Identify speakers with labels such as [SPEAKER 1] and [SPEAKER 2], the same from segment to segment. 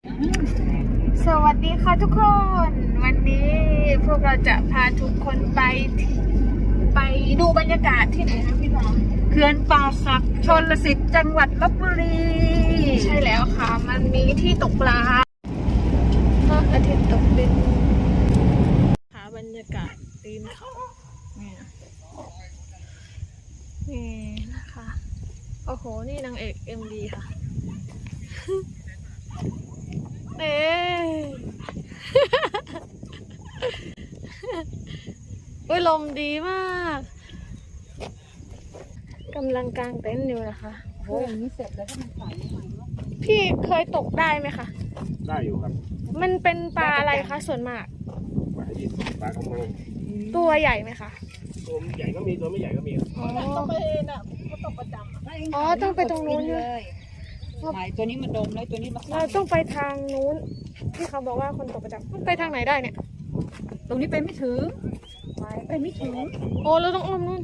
[SPEAKER 1] สวัสดีค่ะทุกคน วันนี้พวกเราจะพาทุกคนไปดูบรรยากาศที่ไหนนะพี่น้อง
[SPEAKER 2] เขื่อนป่าสักชลสิทธิ์จังหวัดลพบุรี
[SPEAKER 1] ใช่แล้วค่ะ มันมีที่ตกปลาพระอาทิตย์ตกดินหาบรรยากาศตีนเขานี่นะคะโอ้โหนี่นางเอกMVค่ะเอ๊ะลมดีมากกำลังกางเต็นท์อยู่นะคะ
[SPEAKER 2] โอ้ยอย่างนี้เสร็จแล้วก็มันใสใหม่เนาะ
[SPEAKER 1] พี่เคยตกได้ไหมคะ
[SPEAKER 3] ได้อยู่ครับ
[SPEAKER 1] มันเป็นปลาอะไรคะส่วนมาก
[SPEAKER 3] ปลาที่ปลากระมัง
[SPEAKER 1] ตัวใหญ่ไหมคะ
[SPEAKER 3] ตัวใหญ่ก็มีตัวไม่ใหญ่ก็มี
[SPEAKER 1] อ๋อ
[SPEAKER 2] ต้องไปน่ะเขาตกประจำ
[SPEAKER 1] อ๋อต้องไปตรงนู้นด้วย
[SPEAKER 2] ไหนตัวนี้มันดมเลยตัวนี้มัน
[SPEAKER 1] เราต้องไปทางนู้นที่เขาบอกว่าคนตกประจำมันไปทางไหนได้เนี่ย
[SPEAKER 2] ตรงนี้ไปไม่ถึงไปไม่ถึง
[SPEAKER 1] โอ้เราต้องอ้อมนู่น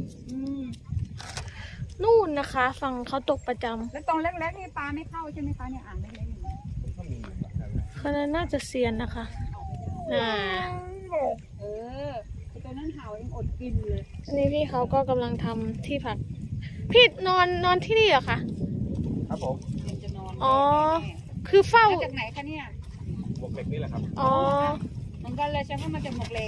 [SPEAKER 1] นู่นนะคะ ฝั่งเขาตกประจ
[SPEAKER 2] แล้วตรงเล็กๆนี่ปลาไม่เข้าใช่ไหมคะเนี่ยอ่างเล็กๆอย่างนี้
[SPEAKER 1] ำเขาน่าจะเซียนนะคะอ่า
[SPEAKER 2] เออตัวนั้นเห่ายังอดกินเลย
[SPEAKER 1] อันนี้พี่เขาก็กำลังทำที่พักพี่นอนที่นี่เหรอคะ
[SPEAKER 3] ครับผม
[SPEAKER 2] มันจะนอน
[SPEAKER 1] อ๋อคือเฝ้า
[SPEAKER 2] มาจากไหนคะเนี่ย
[SPEAKER 3] บวกเหล็กนี่แหละครับ
[SPEAKER 1] อ๋อ
[SPEAKER 2] เหมือนกันเลยใช่ไหมมาจากหมวกเหล็ก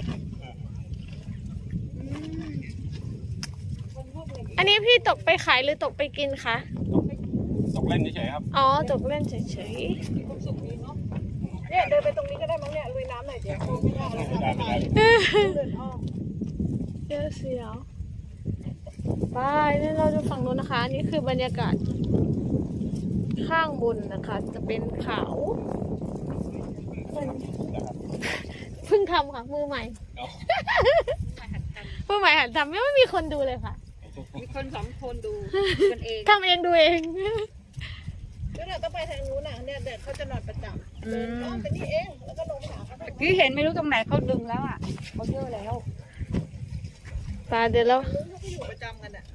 [SPEAKER 1] อันนี้พี่ตกไปขายหรือตกไปกินคะ
[SPEAKER 3] ตกเล่นเฉยๆครับ
[SPEAKER 1] อ๋อตกเล่นเฉย
[SPEAKER 2] ความสุขดีเนาะเนี่ยเดินไปตรงนี้ก็ได้มั้งเนี่ยลุยน้ำหน่อยเดี๋ยวไม่ได้แล้ว
[SPEAKER 3] ไม่ได้ไม่ได้
[SPEAKER 1] ๆ
[SPEAKER 2] เดินอ้อม
[SPEAKER 1] เสียวไปนี่เราจะฝั่งนู้นนะคะอันนี่คือบรรยากาศข้างบนนะคะ จะเป็นเขาเพิ่งทำค่ะมือใหม่ มือใหม่หัดทำไม่มีคนดูเลยค่ะ
[SPEAKER 2] มีคนสองคนดูกันเอง
[SPEAKER 1] ทำเองดูเอง
[SPEAKER 2] แล้วเราต้องไปทางนู้นน่ะเนี่ยเด็กเขาจะนอนประจำเดินอ้อมไปนี่เองแล้วก็ลงไปหาเขาพี่เห็นไม่รู้ตรงไหนเขาดึงแล้วอ่ะเขาเยอะแล้ว
[SPEAKER 1] ปลาเดี๋ยวเรา
[SPEAKER 2] เขาก็อยู่ประจำกันอ่ะ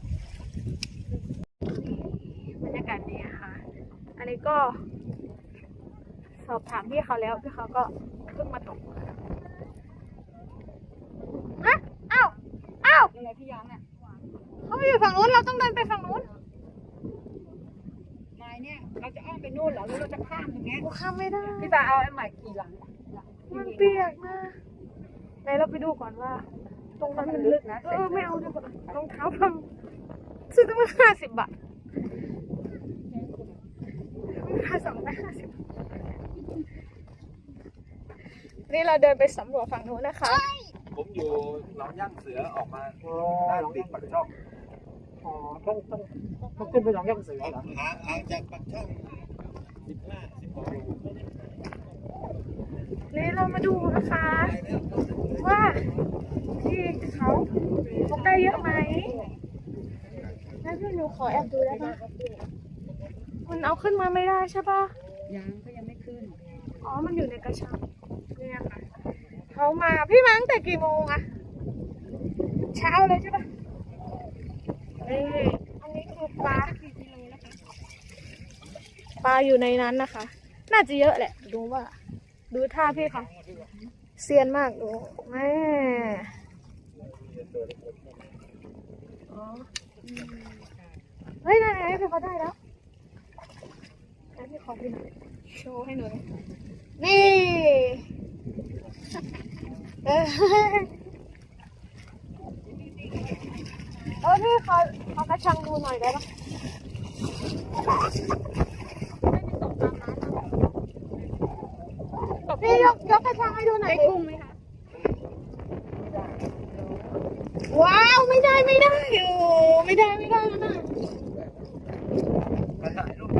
[SPEAKER 1] บรรยากาศดีอะค่ะ อันนี้ก็ สอบถามพี่เขาแล้วพี่เขาก็เพิ่งมาตกฮะอ้าว
[SPEAKER 2] ยังไงพี่ยังอ่ะ
[SPEAKER 1] เขาไปอยู่ฝั่งนู้นเราต้องเดินไปฝั่งนู้น
[SPEAKER 2] ไม้เนี่ยเราจะอ้อมไปนู่นเหรอหรือเราจะข้ามอย่างเงี้ย
[SPEAKER 1] กูข้ามไม่ได้
[SPEAKER 2] พี่ตาเอาไอ้ใหม่กี่หลัง
[SPEAKER 1] มันเปียกนะไหนเราไปดูก่อนว่า ตรงนั้นมันลึกนะไม่เอาดีกว่ารองเท้าพังซื้อตั้ง50 บาทค่า250นี่เราเดินไปสำรวจฝั่งนู้นนะคะ
[SPEAKER 3] ผมอยู่หนองย่างเสือออกมาด้านติดปากช่อง
[SPEAKER 2] อ๋อต้องขึ้นไปหนองย่างเสือเหรอ
[SPEAKER 3] ห่างจากปากช่อง16 โล
[SPEAKER 1] นี่เรามาดูนะคะ ว่าที่เขาตกได้เยอะไหมแล้วพี่หนูขอแอบดูได้ปะมันเอาขึ้นมาไม่ได้ใช่ปะ
[SPEAKER 2] ยังเขายังไม่ขึ้น
[SPEAKER 1] อ๋อ มันอยู่ในกระชังเนี่ยค่ะเขามาพี่มาตั้งแต่กี่โมงอะเช้าเลยใช่ปะนี่อันนี้คือปลาปลาอยู่ในนั้นนะคะ น่าจะเยอะแหละ ดูว่า ดูท่าพี่เขาเซียนมากดูแม่อ๋อเฮ้ยนั่นไงพี่เขาได้แล้วแล้วพี่ขอพี่โชว์ให้หนูหน่อยนี่เออพี่ขอกระชังดูหน่อยได้ปะพี่ยกกระชังให้ดูหน่อยได้กุ้งไหมคะว้าวไม่ได้โอ้ไม่ได้นะ
[SPEAKER 3] มาถ่ายรูป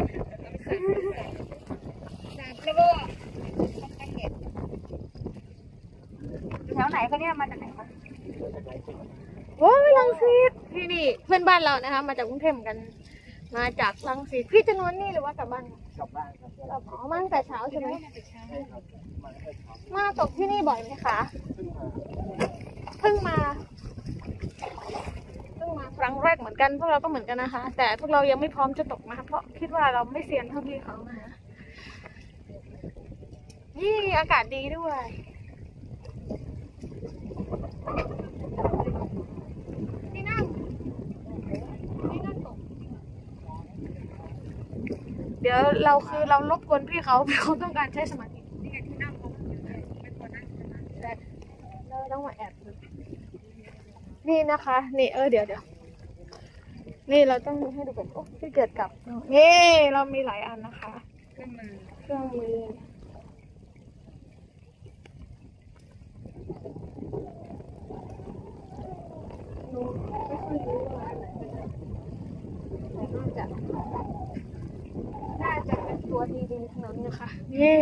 [SPEAKER 2] แล้วก็แถวไหนคะเนี่ยมาจากไหนคะ
[SPEAKER 1] โอ้ยรังสิตที่นี่เพื่อนบ้านเรานะคะ มาจากกรุงเทพเหมือนกัน มาจากรังสิตพี่จะนอนนี่หรือว่ากลับบ้าน
[SPEAKER 3] กลับบ้านครับ
[SPEAKER 1] เราอ๋อมาตั้งแต่เช้าใช่ไหม
[SPEAKER 3] ใช่ครับมาให้เขา
[SPEAKER 1] มาตกที่นี่บ่อยไหมคะ
[SPEAKER 3] ขึ้นมา
[SPEAKER 1] เพิ่งมาครั้งแรกเหมือนกันพวกเราก็เหมือนกันนะคะ แต่พวกเรายังไม่พร้อมจะตกนะคะเพราะคิดว่าเราไม่เซียนเท่าพี่เขานะคะอากาศดีด้วยนี่นั่งตกเดี๋ยวเรารบกวนพี่เขาต้องการใช้สมาธินี่ไงที่นั่งเขาไม่ควรนั่งแต่เราต้องมาแอบดูนี่นะคะนี่เดี๋ยวนี่เราต้องให้ดูก่อนโอ้ที่เกิดกับนี่เรามีหลายอันนะคะเครื่องมือหนูไม่ค่อยรู้ว่าอันไหนเป็นอะไรแต่น่าจะเป็นตัวดีๆทั้งนั้นนะคะเย้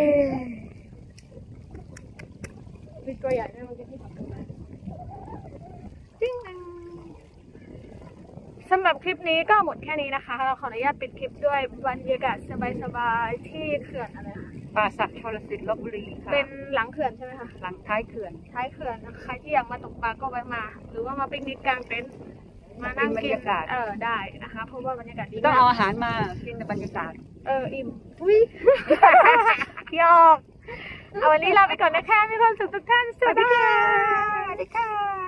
[SPEAKER 1] มีตัวใหญ่ด้วยมันจะที่ทำกันมาจิ้งสำหรับคลิปนี้ก็หมดแค่นี้นะคะเราขออนุญาตปิดคลิปด้วยบรรยากาศสบายๆที่เขื่อนอะไรคะ
[SPEAKER 2] ป่าสักชลสิทธิ์ลพบุรีค่ะ
[SPEAKER 1] เป็นหลังเขื่อนใช่ไหมคะ
[SPEAKER 2] หลังท้ายเขื่อน
[SPEAKER 1] ท้ายเขื่อนนะคะใครที่อยากมาตกปลาก็แวะมา หรือว่ามาปิกนิกกลางเต็นท์มานั่งกินได้นะคะเพราะว่าบรรยากาศดี
[SPEAKER 2] ต้อง
[SPEAKER 1] มาก
[SPEAKER 2] เอาอาหารมากินในบรรยากาศ
[SPEAKER 1] อิ่มอุ้ย หยอกเอาวันนี้ลาไปก่อนนะคะมีความสุขทุกท่านสวัสดีค่ะ